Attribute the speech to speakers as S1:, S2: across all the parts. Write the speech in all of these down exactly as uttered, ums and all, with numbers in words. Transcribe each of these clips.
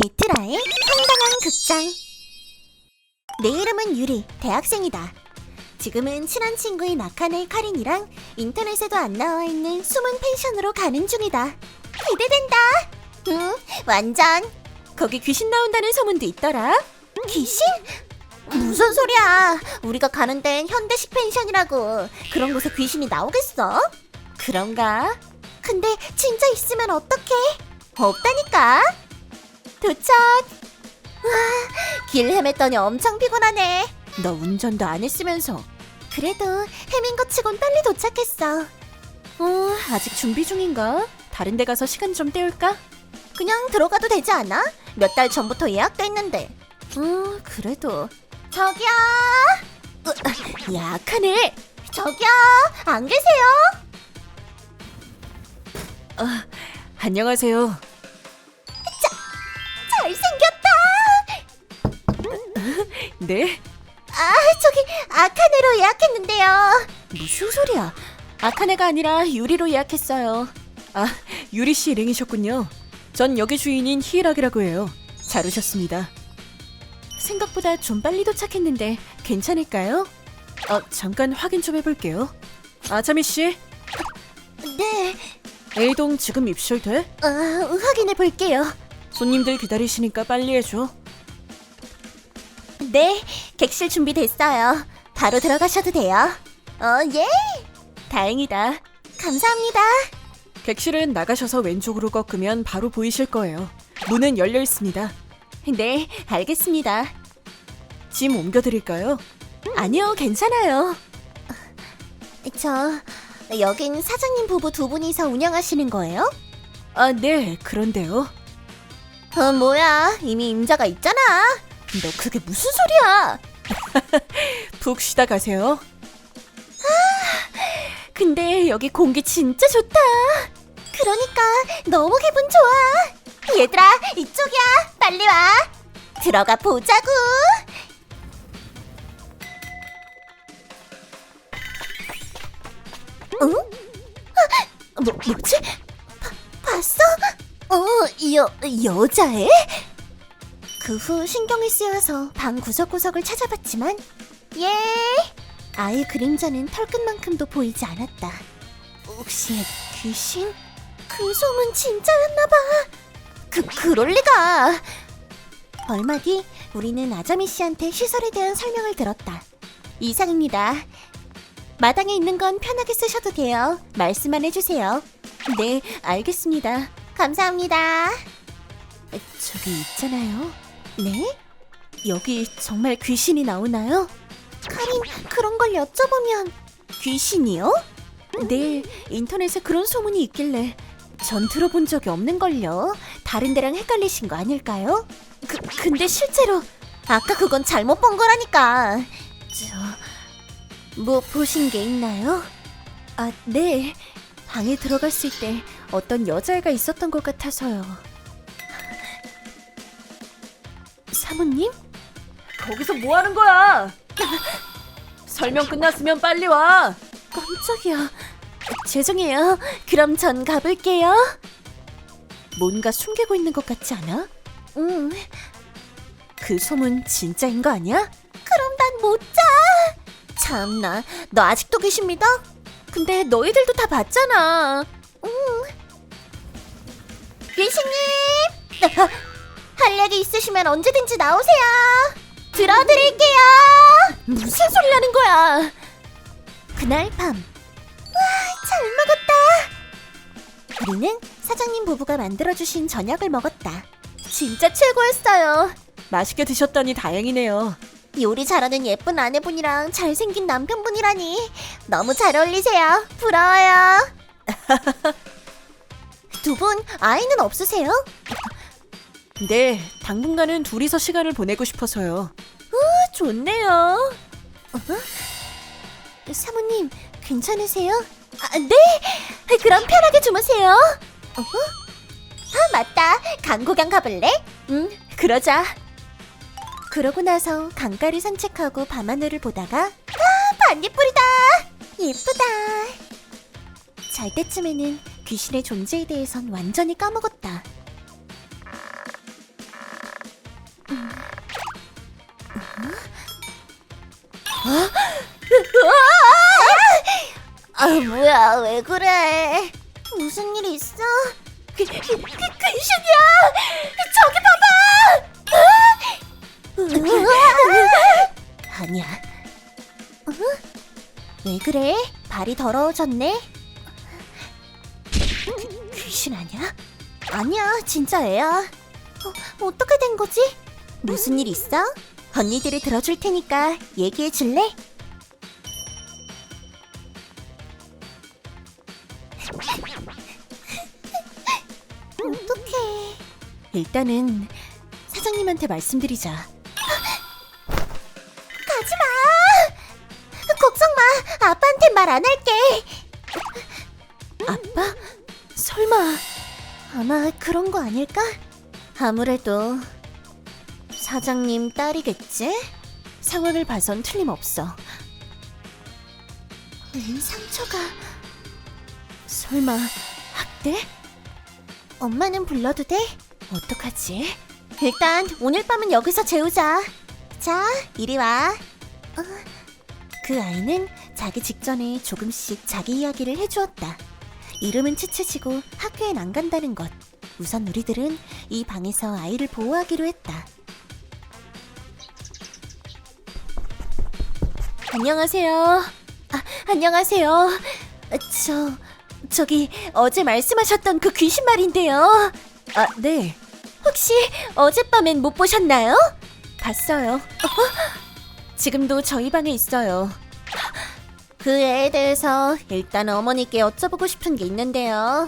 S1: 에트라의 황당한 극장. 내 이름은 유리, 대학생이다. 지금은 친한 친구인 아카네 카린이랑 인터넷에도 안 나와 있는 숨은 펜션으로 가는 중이다. 기대된다. 응, 완전. 거기 귀신 나온다는 소문도 있더라. 귀신? 무슨 소리야. 우리가 가는 데는 현대식 펜션이라고. 그런 곳에 귀신이 나오겠어? 그런가? 근데 진짜 있으면 어떡해? 없다니까. 도착. 와, 길 헤맸더니 엄청 피곤하네. 너 운전도 안 했으면서. 그래도 헤맨 것 치곤 빨리 도착했어. 어, 아직 준비 중인가? 다른 데 가서 시간 좀 때울까? 그냥 들어가도 되지 않아? 몇 달 전부터 예약돼 있는데. 어, 그래도. 저기요. 으, 야, 아카네. 저기요. 안 계세요?
S2: 어, 안녕하세요.
S1: 잘생겼다.
S2: 네?
S1: 아, 저기 아카네로 예약했는데요.
S2: 무슨 소리야? 아카네가 아니라 유리로 예약했어요. 아, 유리 씨 일행이셨군요. 전 여기 주인인 히이락이라고 해요. 잘 오셨습니다. 생각보다 좀 빨리 도착했는데 괜찮을까요? 어, 잠깐 확인 좀 해볼게요. 아자미 씨,
S1: 네,
S2: A동 지금 입실돼?
S1: 어, 확인해 볼게요.
S2: 손님들 기다리시니까 빨리 해줘.
S1: 네, 객실 준비됐어요. 바로 들어가셔도 돼요. 어, 예.
S2: 다행이다.
S1: 감사합니다.
S2: 객실은 나가셔서 왼쪽으로 꺾으면 바로 보이실 거예요. 문은 열려 있습니다.
S1: 네, 알겠습니다.
S2: 짐 옮겨드릴까요?
S1: 아니요, 괜찮아요. 저, 여긴 사장님 부부 두 분이서 운영하시는 거예요?
S2: 아, 네, 그런데요.
S1: 어, 뭐야, 이미 임자가 있잖아. 너 그게 무슨 소리야?
S2: 푹 쉬다 가세요.
S1: 근데 여기 공기 진짜 좋다. 그러니까 너무 기분 좋아. 얘들아, 이쪽이야. 빨리 와. 들어가 보자고. 응? 아, 뭐, 뭐지? 바, 봤어? 어, 여, 여자애? 그 후 신경이 쓰여서 방 구석구석을 찾아봤지만 예, 아이 그림자는 털끝만큼도 보이지 않았다. 혹시 귀신? 그 소문 진짜였나봐. 그, 그럴 리가. 얼마 뒤 우리는 아자미 씨한테 시설에 대한 설명을 들었다. 이상입니다. 마당에 있는 건 편하게 쓰셔도 돼요. 말씀만 해주세요. 네, 알겠습니다. 감사합니다.
S2: 저기 있잖아요.
S1: 네?
S2: 여기 정말 귀신이 나오나요?
S1: 카린, 그런 걸 여쭤보면 귀신이요?
S2: 네, 인터넷에 그런 소문이 있길래 전 들어본 적이 없는걸요.
S1: 다른 데랑 헷갈리신 거 아닐까요? 그, 근데 실제로 아까 그건 잘못 본 거라니까. 저, 뭐 보신 게 있나요?
S2: 아, 네. 방에 들어갔을 때 어떤 여자애가 있었던 것 같아서요. 사모님? 거기서 뭐 하는 거야? 설명 끝났으면 빨리 와.
S1: 깜짝이야. 죄송해요. 그럼 전 가볼게요.
S2: 뭔가 숨기고 있는 것 같지 않아?
S1: 응.
S2: 그 소문 진짜인 거 아니야?
S1: 그럼 난 못 자. 참나, 너 아직도 귀신 믿어? 근데 너희들도 다 봤잖아. 응. 귀신님! 할 얘기 있으시면 언제든지 나오세요. 들어드릴게요. 무슨 소리 하는 거야? 그날 밤. 와, 잘 먹었다. 우리는 사장님 부부가 만들어주신 저녁을 먹었다. 진짜 최고였어요.
S2: 맛있게 드셨다니 다행이네요.
S1: 요리 잘하는 예쁜 아내분이랑 잘생긴 남편분이라니 너무 잘 어울리세요. 부러워요. 두 분 아이는 없으세요?
S2: 네, 당분간은 둘이서 시간을 보내고 싶어서요.
S1: 좋네요. 어? 사모님, 괜찮으세요? 아, 네! 그럼 편하게 주무세요. 어? 아, 맞다. 강구경 가볼래? 응, 그러자. 그러고 나서 강가를 산책하고 밤하늘을 보다가 아, 반딧불이다. 예쁘다. 잘 때쯤에는 귀신의 존재에 대해선 완전히 까먹었다. 아, 뭐야, 왜 그래? 무슨 일 있어? 그, 그, 그, 귀신이야! 저기 봐봐! 아니야. 어? 왜 그래? 발이 더러워졌네? 그, 귀신 아니야? 아니야, 진짜 애야. 어, 어떻게 된 거지? 무슨 일 있어? 언니들이 들어줄 테니까 얘기해 줄래? 어떡해.
S2: 일단은 사장님한테 말씀드리자.
S1: 가지마. 걱정 마. 아빠한테 말 안 할게.
S2: 아빠? 설마.
S1: 아마 그런 거 아닐까? 아무래도 사장님 딸이겠지?
S2: 상황을 봐선 틀림없어.
S1: 웬 상처가.
S2: 설마 학대?
S1: 엄마는 불러도 돼?
S2: 어떡하지?
S1: 일단 오늘 밤은 여기서 재우자. 자, 이리 와. 어, 그 아이는 자기 직전에 조금씩 자기 이야기를 해주었다. 이름은 치치지고 학교엔 안 간다는 것. 우선 우리들은 이 방에서 아이를 보호하기로 했다.
S2: 안녕하세요. 아, 안녕하세요. 저, 저기 어제 말씀하셨던 그 귀신 말인데요. 아, 네.
S1: 혹시 어젯밤엔 못 보셨나요?
S2: 봤어요. 어? 지금도 저희 방에 있어요.
S1: 그 애에 대해서 일단 어머니께 여쭤보고 싶은 게 있는데요.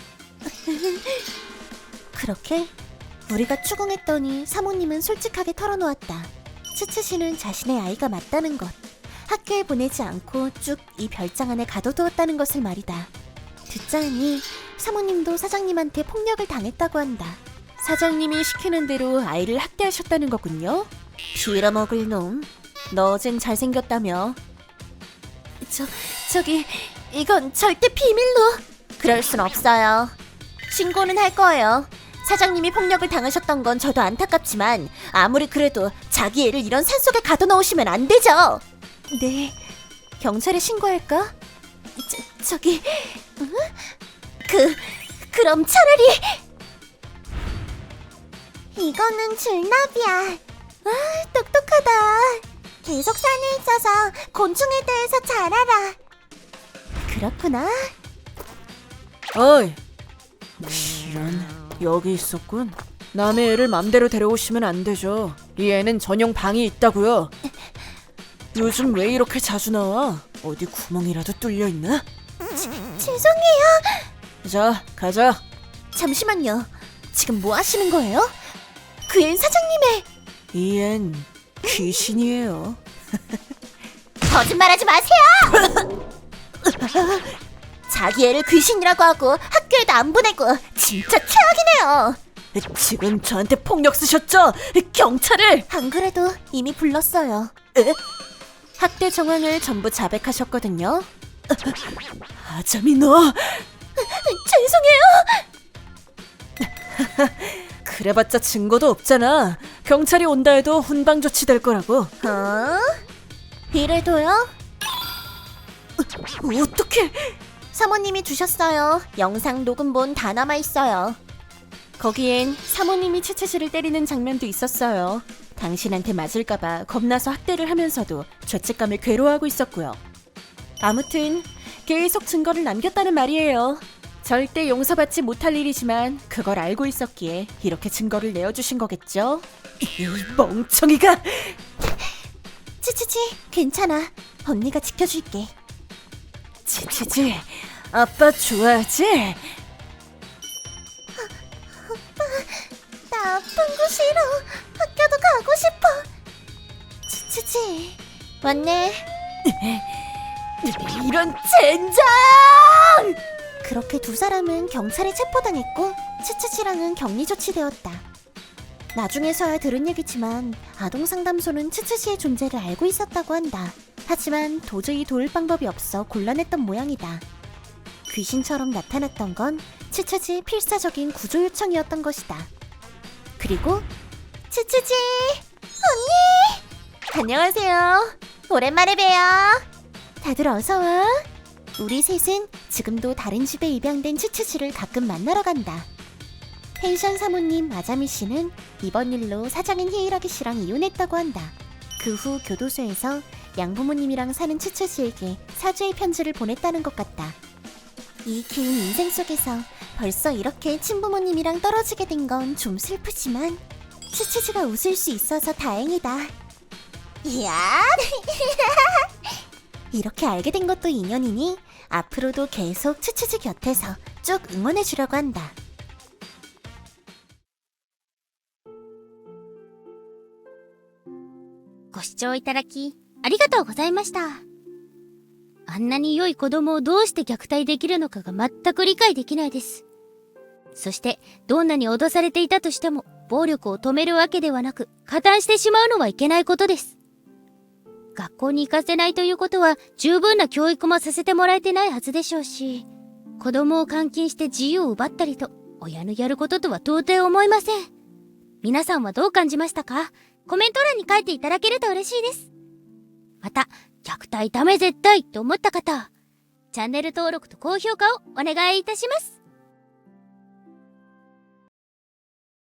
S1: 그렇게 우리가 추궁했더니 사모님은 솔직하게 털어놓았다. 치치씨는 자신의 아이가 맞다는 것, 학교에 보내지 않고 쭉 이 별장 안에 가둬두었다는 것을 말이다. 듣자 하니 사모님도 사장님한테 폭력을 당했다고 한다.
S2: 사장님이 시키는 대로 아이를 학대하셨다는 거군요.
S1: 빌어먹을 놈.
S2: 너 어젠 잘생겼다며.
S1: 저, 저기 이건 절대 비밀로. 그럴 순 없어요. 신고는 할 거예요. 사장님이 폭력을 당하셨던 건 저도 안타깝지만 아무리 그래도 자기 애를 이런 산속에 가둬놓으시면 안 되죠.
S2: 네. 경찰에 신고할까?
S1: 저, 저기 응? 그 그럼 차라리 이거는 줄나비야. 아, 똑똑하다. 계속 산에 있어서 곤충에 대해서 잘 알아. 그렇구나.
S2: 어이. 이런, 여기 있었군. 남의 애를 맘대로 데려오시면 안 되죠. 이 애는 전용 방이 있다고요. 요즘 왜 이렇게 자주 나와? 어디 구멍이라도 뚫려 있나?
S1: 죄송해요.
S2: 자, 가자.
S1: 잠시만요. 지금 뭐 하시는 거예요? 그 앤 사장님의.
S2: 이 앤 귀신이에요.
S1: 거짓말하지 마세요. 자기 애를 귀신이라고 하고 학교에도 안 보내고 진짜 최악이네요.
S2: 지금 저한테 폭력 쓰셨죠? 경찰을!
S1: 안 그래도 이미 불렀어요.
S2: 에? 학대 정황을 전부 자백하셨거든요. 아자미 너!
S1: 죄송해요.
S2: 그래봤자 증거도 없잖아. 경찰이 온다 해도 훈방 조치될 거라고.
S1: 어? 이래도요?
S2: 어떡해!
S1: 사모님이 주셨어요. 영상 녹음본 다 남아있어요.
S2: 거기엔 사모님이 치치씨를 때리는 장면도 있었어요. 당신한테 맞을까봐 겁나서 학대를 하면서도 죄책감을 괴로워하고 있었고요. 아무튼 계속 증거를 남겼다는 말이에요. 절대 용서받지 못할 일이지만 그걸 알고 있었기에 이렇게 증거를 내어주신 거겠죠? 이 멍청이가!
S1: 치치치, 괜찮아. 언니가 지켜줄게.
S2: 치치지, 아빠 좋아하지?
S1: 나 아픈 거 싫어. 학교도 가고 싶어. 치치치, 왔네.
S2: 이런 젠장!
S1: 그렇게 두 사람은 경찰에 체포당했고 치치치랑은 격리 조치되었다. 나중에서야 들은 얘기지만 아동상담소는 치치치의 존재를 알고 있었다고 한다. 하지만 도저히 도울 방법이 없어 곤란했던 모양이다. 귀신처럼 나타났던 건 치치치의 필사적인 구조 요청이었던 것이다. 그리고 츠츠지 언니! 안녕하세요. 오랜만에 봬요. 다들 어서와. 우리 셋은 지금도 다른 집에 입양된 츠츠지를 가끔 만나러 간다. 펜션 사모님 아자미 씨는 이번 일로 사장인 히이라기 씨랑 이혼했다고 한다. 그 후 교도소에서 양부모님이랑 사는 츠츠지에게 사죄의 편지를 보냈다는 것 같다. 이 긴 인생 속에서 벌써 이렇게 친부모님이랑 떨어지게 된 건 좀 슬프지만 츠츠지가 웃을 수 있어서 다행이다. 이야! 이렇게 알게 된 것도 인연이니 앞으로도 계속 츠츠지 곁에서 쭉 응원해주려고 한다.
S3: ご視聴いただき、ありがとうございました。あんなに良い子供をどうして虐待できるのかが全く理解できないです。そして、どんなに脅されていたとしても、暴力を止めるわけではなく、加担してしまうのはいけないことです。学校に行かせないということは、十分な教育もさせてもらえてないはずでしょうし、子供を監禁して自由を奪ったりと、親のやることとは到底思いません。皆さんはどう感じましたか？コメント欄に書いていただけると嬉しいです。また、虐待ダメ絶対と思った方は、チャンネル登録と高評価をお願いいたします。